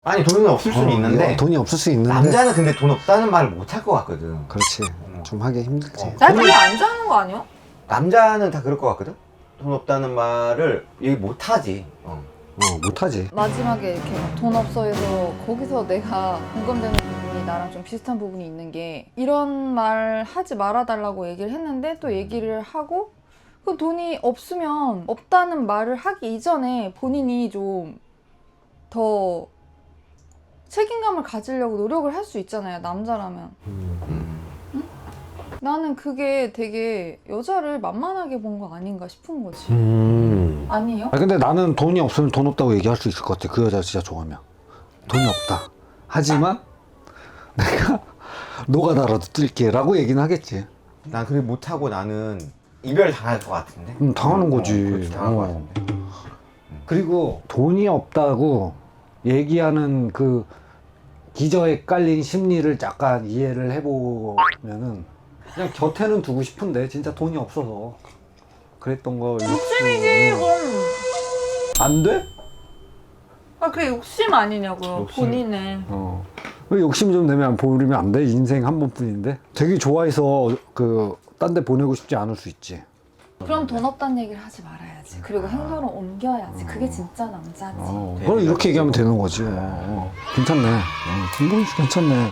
아니 돈은 없을 수는 있는데 돈이 없을 수 있는데 남자는 근데 돈 없다는 말을 못 할 것 같거든. 그렇지. 좀 하기 힘들지. 나 되게 안 좋아하는 거 아니야? 남자는 다 그럴 것 같거든. 돈 없다는 말을 얘기 못 하지. 못하지. 마지막에 이렇게 막돈 없어 해서 거기서 내가 공감되는 부분이 나랑 좀 비슷한 부분이 있는 게 이런 말 하지 말아달라고 얘기를 했는데 또 얘기를 하고 그 돈이 없으면 없다는 말을 하기 이전에 본인이 좀 더 책임감을 가지려고 노력을 할 수 있잖아요, 남자라면. 나는 그게 되게 여자를 만만하게 본 거 아닌가 싶은 거지. 아니에요? 근데 나는 돈이 없으면 돈 없다고 얘기할 수 있을 것 같아. 그 여자 진짜 좋아하면. 돈이 없다. 하지만 내가 노가다라도 뛸게 라고 얘기는 하겠지. 난 그렇게 못 하고 나는 이별 당할 것 같은데. 당하는 거지. 그렇지, 당할 것 같은데. 그리고 돈이 없다고 얘기하는 그 기저에 깔린 심리를 약간 이해를 해보면은 그냥 곁에는 두고 싶은데 진짜 돈이 없어서 그랬던 거 욕심이지, 그건. 안 돼? 아, 그게 욕심 아니냐고요, 욕심. 본인의. 왜 욕심 좀 내면 버리면 안 돼? 인생 한 번뿐인데 되게 좋아해서 그 딴 데 보내고 싶지 않을 수 있지. 그럼 돈 없다는 얘기를 하지 말아야지. 그리고 행동을 옮겨야지. 그게 진짜 남자지. 그럼 이렇게 얘기하면 되는 거지. 괜찮네. 김동희 씨 괜찮네.